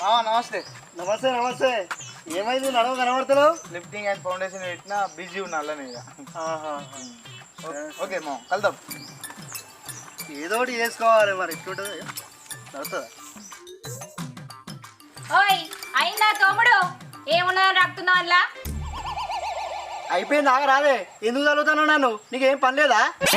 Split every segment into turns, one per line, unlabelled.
నమస్తే.
నమస్తే నమస్తే. ఏమైంది నడవ కనబడతలేవు?
లిఫ్టింగ్ అండ్ ఫౌండేషన్ పెట్టినా బిజీ ఉన్నా అలానే ఇక. ఓకే మా కలుద్దాం.
ఏదో ఒకటి చేసుకోవాలి మరి. ఎట్లుంటుంది నడుతుందా?
ఓయ్ అయిందా తోముడు? ఏమున్నా రాకుతున్నావు అలా?
అయిపోయింది ఆగ రాదే. ఎందుకు చదువుతాను నన్ను? నీకేం పని లేదా?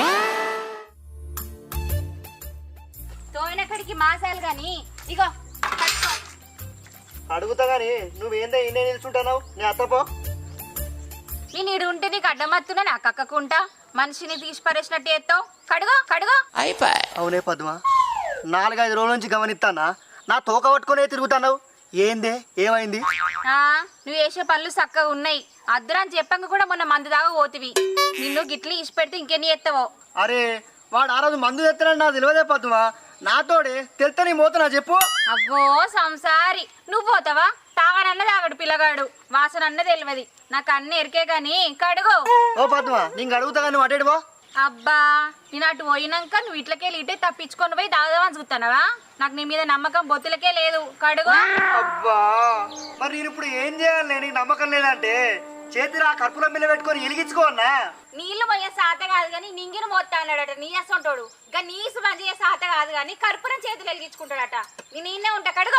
తోమినక్కడికి మాసాలు గాని ఇగో పట్టుకో.
అడుగుతా గాని నువ్వేందే ఇన్నే నిల్చుంటున్నావు? నీ అత్తపో.
నేను ఈడు ఉంటే నీకు అడ్డమత్తున్నా నాకు అక్కకుంటా మనిషిని తీసి పరేసినట్టు ఎత్తావు. కడుగో కడుగో.
అవునే పద్మ, 4-5 రోజుల నుంచి గమనిస్తానా నా తోక పట్టుకునే తిరుగుతున్నావు. ఏందే ఏమైంది?
నువ్వు వేసే పనులు చక్కగా ఉన్నాయి. అద్దరాని చెప్పంగా కూడా మొన్న మందు దాకా పోతివి. నిన్ను గిట్లు ఇసి పెడితే ఇంకెన్ని ఎత్తావో.
అరే వాడు ఆ రోజు మందు తెస్తానని నాకు తెలియదే పద్మ. నాతోడే తెలుతా నీ మోతున్నా చెప్పు.
అబ్బో సంసారి నువ్వు పోతావా? తాగనన్న తాగడు పిల్లగాడు, వాసన అన్న తెలియదు. నాకు అన్ని ఎరికే గాని కడుగు.
ఓ పద్మ నీకు అడుగుతా కానీ అటేడు పో.
అబ్బా నేను అటు పోయినాక నువ్వు ఇట్లకెళ్ళి ఇటే తప్పించుకొని పోయి తాగదామని చూస్తానవా? నాకు నీ మీద నమ్మకం బొత్తులకే లేదు. కడుగు.
అబ్బా మరి నేను ఇప్పుడు ఏం చేయాలి? నీకు నమ్మకం లేదంటే చేతిరా కర్పూరం బిల్ల పెట్టుకొని వెలిగించుకో అన్నా.
నీళ్లు పోయే సాత కాదు కానీ నింగిని మోత్తా అన్నాడట. నీ అసంటోడు ఇంకా నీసు మంచి సాత కాదు కానీ కర్పూరం చేతులు వెలిగించుకుంటాడట. నేను ఈయనే ఉంటా. కడుగో.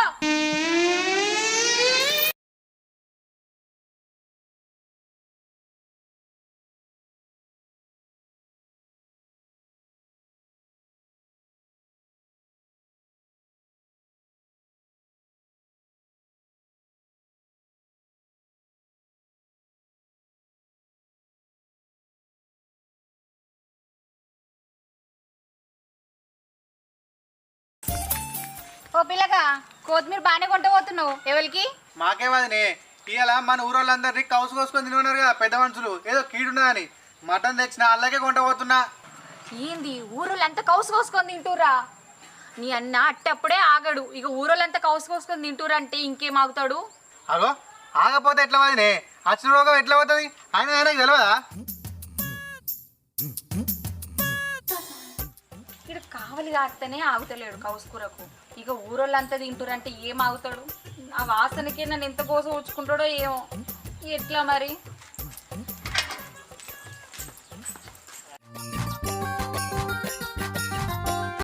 ఓ పిల్లగా కొత్తిమీర బాగానే కొంట పోతున్నావు. ఎవరికి?
మాకేమదినే ఇవాళ మన ఊరోళ్ళందరినీ కౌసు కోసుకొని తినున్నారు కదా పెద్ద మనుషులు. ఏదో కీడున్నదని మటన్ తెచ్చిన అల్లకే కొంట పోతున్నా.
ఏంది ఊరోళ్ళంతా కౌసు కోసుకొని తింటూరా? నీ అన్న అట్టప్పుడే ఆగడు. ఇక ఊరోళ్ళంతా కౌసు కోసుకొని తింటూరా అంటే ఇంకేం ఆగుతాడు?
అగో ఆగపోతే ఎట్లా వదినే? అచ్చిన రోగం ఎట్లా పోతుంది? ఆయన ఆయనకు తెలియదా?
ఇక్కడ కావలి కాస్తేనే ఆగుతలేడు కౌసుకూరకు. ఇక ఊరోళ్ళంతా తింటురంటే ఏం ఆగుతాడు? ఆ వాసనకి నన్ను ఎంత కోసం ఉంచుకుంటాడో ఏమో. ఎట్లా మరి?